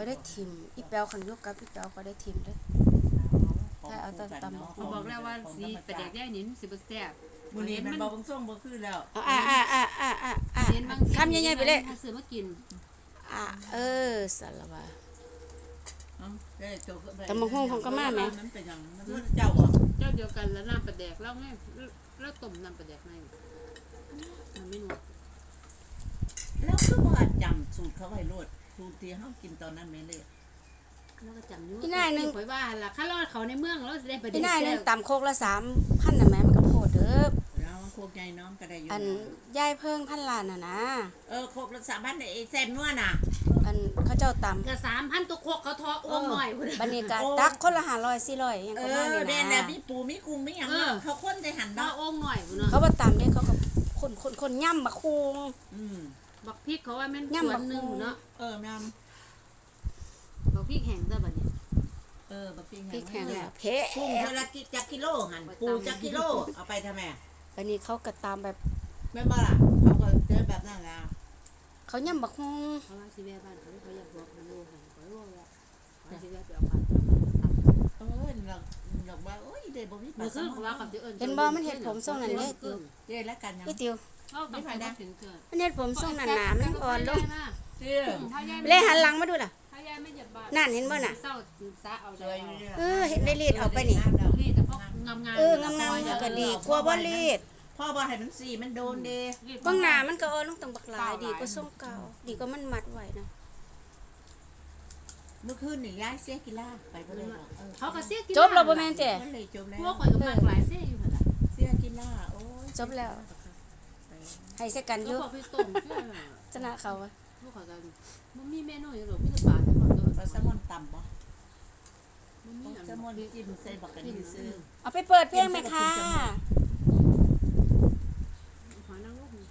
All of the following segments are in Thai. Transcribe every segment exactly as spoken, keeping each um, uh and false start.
เขาได้ทิมอีแปวคันยุกกับอีแปวเขาได้ทิมด้วยถ้าเอาตำตำเขาบอกแล้วว่าสีประเด็กได้นี่สิบ่แซ่บมื้อนี้มันบ่บังส่งบ่คือแล้วเอาอ่าอ่าอ่าอ่าอ่าอ่าคำใหญ่ๆไปเลยซื้อมากินอ่าเออสารวะแต่มังห้องของก็มาแม่มันเป็นหยังมันเจ้าบ่เจ้าเดียวกันแล้วน้ำประเด็กแล้วไงแล้วต้มน้ำประเด็กให้มันไม่หมดแล้วคือบ่จำสูตรเขาไว้โลดสูตรที่เฮากินตอนนั้นแม่เลยแล้วก็จำอยู่ที่นายนึงข่อยว่าล่ะข้ารอดเขาในเมืองแล้วสิได้ประเด็กที่นายนึงตำโคกละสามพันน่ะแม่มันก็โพดเด้อแล้วโคกใหญ่น้องก็ได้อยู่อันยายเพิ่งพันล้านน่ะนะเออโคกละสามพันไอ้แซ่บนัวน่ะอันเขาเจ้าตำก็สามพันตัวโคกเขาทออ้วมหน่อยพุ่นบัดนี้ก็ตักคนละห้าร้อย สี่ร้อยยังก็มานี่นะเออแม่น่ะมีปูมีกุ้งมีหยังเขาคนได้หั่นเนาะอ้วมหน่อยพุ่นเนาะเขาบ่ตำเด้เขาก็คนๆๆย่ำบักคูงอืมบักพริกเขาว่าแม่นส่วนนึงเนาะเออแม่นบักพริกแห้งซะบัดนี้เออบักพริกแห้งพริกแห้งเพะกุ้งเท่าละกิจักกิโลหั่นปูจักกิโลเอาไปทำไมอันนี้เขาก็ตามแบบแม่นบ่ล่ะเขาก็เจอแบบนั้นแล้วเขาย่ำบักฮูเขาว่าสิแม่บ้านเขาเขาอยากบอกมันโลให้เขาว่าว่าเขาสิแม่ไปเอาปลาเออหลักหลักว่าโอ้ยเด้บ่มีปลาคือเขาว่าเขาสิเอิ้นเห็นบ่มันเฮ็ดผมทรงนั้นเด้ติวเด้แล้วกันยังพี่ติวไม่ไปได้ถึงเกิดมันเฮ็ดผมทรงนั้นหนามันอ่อนลงเด้อเลยหันหลังมาดูล่ะถ้ายายไม่เหยียบบ้านนั่นเห็นบ่น่ะเศร้าซะเอาเลยเออเห็นได้รีดออกไปนี่รีดแต่พวกงามๆเอองามๆก็ดีกว่าบ่รีดพ่อบ่ให้มันสีมันโดนเด้บางหน้ามันก็อ่อนลงตั้งบักหลายดีกว่าทรงเก่าดีกว่ามันมัดไว้นะเมื่อคืนนี่ย้ายเสียกีฬาไปบ่ได้หรอกเขาก็เสียกีฬาจบแล้วบ่แม่นแต่จบแล้วพวกข่อยก็มากหลายเสียอยู่หั่นล่ะเสียกีฬาโอ้ยจบแล้วให้ใส่กันอยู่เขาไปต้มชนะเขาอ่ะพวกเขาก็มันมีเมนูอยู่หรอกมีแต่ปลาทั้งหมดตัวปลาแซลมอนตำบ่มันมีแซลมอนจิ้มใส่บักกะดีซื้อเอาไปเปิดเพลงไหมคะหอยนางรม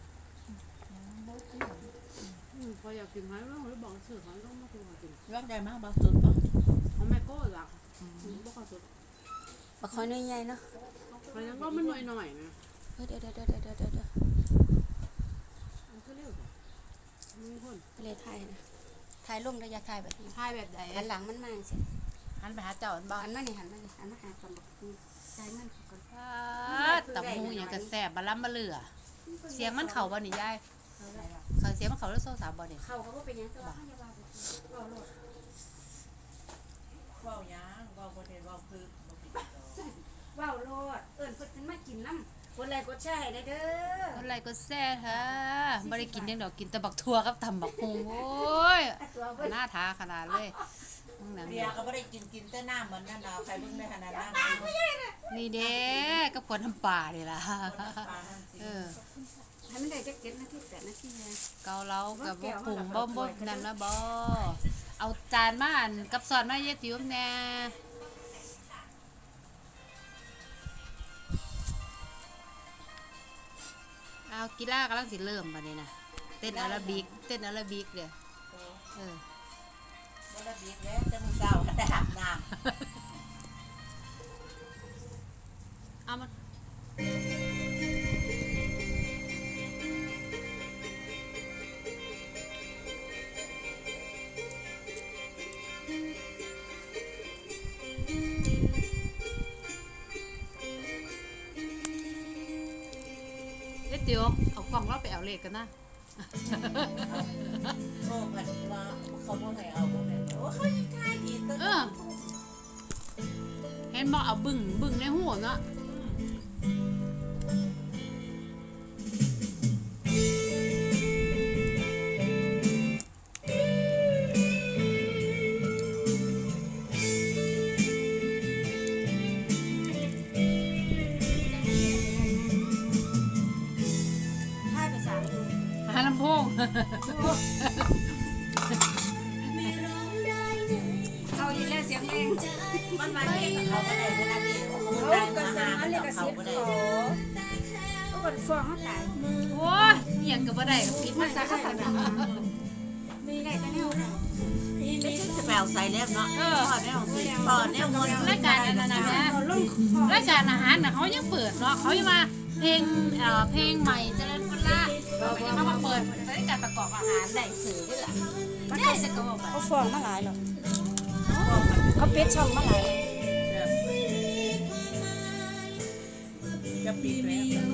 พออยากกินหอยนางรมหรือบอกซื้อหอยนางรมมากินยอดใหญ่มากบ่สุดบ่ของแม่โก้ล่ะบ่ค่อยสุดบักหอยน้อยใหญ่เนาะหอยนางรมมันหน่อยๆนะเดี๋ยวๆๆๆๆมันก็เร็วมีคนไปเลยถ่ายนะถ่ายลงระยะถ่ายแบบนี้ถ่ายแบบใดหันหลังมันมาสิหันไปหาเจ้าอันบ่หันมานี่หันมานี่หันมาหาตำบักถ่ายมันก่อนตำหูหยังก็แซ่บบ่ล้ำบ่เหลือเสียงมันเข้าบ่นี่ยายเขาเสียงมันเข้าแล้วโซ่สามบ่นี่เข้าเขาบ่เป็นหยังแต่ว่าเฮาอย่าว่าเว้าโลดเว้าหยังเว้าบ่ได้เว้าคือบ่ผิดดอกเว้าโลดเอิ้นเพิ่นมากินน้ำกดไลค์กดแชร์ให้ได้เด้อกดไลค์กดแชร์ค่ะบ่ได้กินยังดอกกินแต่บักทั่วกับตำบักฮุงโอ้ยหน้าทาขนาดเลยเบียร์ก็บ่ได้กินกินแต่น้ำเหมือนนั่นดาวใครเบิ่งได้ขนาดนั้นนี่เด้กับคนทำป่านี่ล่ะเออให้มันได้จักเจ็ดนาทีแปดนาทีแม่เกาเหลากับบ่ปรุงบ่บ่นั่นนะบ่เอาจานมาอันกับซอสมาเยติ๋วแน่เอากีฬากำลังสิเริ่มบัดนี้นะเต้นอาราบิกเต้นอาราบิกเด้อเอออาราบิกแล้วจะมื้อเช้าได้อาบน้ำเอามาเดี๋ยวเอากล่องเราไปเอาเลขกันนะโอ้มันว่าเขาบ่ให้เอาบ่แม่นโอ้เขายังทายดีตัวเออเห็นบอกเอาบึ้งบึ้งในหัวเนาะลำโพงเอาอีแล้วเสียงเพลงมันมาเองเขาก็ได้เวลานี้เขาก็สั่งอันนี้ก็เสียงเขาเขาก็ฟ้องเขาตายโอ้ยเหี้ยก็บ่ได้ก็ผิดมาซะค่ะมีได้แต่แนวนี่จะแปลใส่แล้วเนาะเออแนวสิพอแนวมนรายการอันนั้นนะรายการอาหารน่ะเขายังเปิดเนาะเขายังมาเพลงเอ่อเพลงใหม่เจริญพุทธะเขามาเปิดรายการประกอบอาหารได้สื่อด้วยล่ะมันได้เขาจะก็บอกไปเขาฟ้องมาหลายหรอกเขาปิดช่องมาหลายจะปิดแล้ว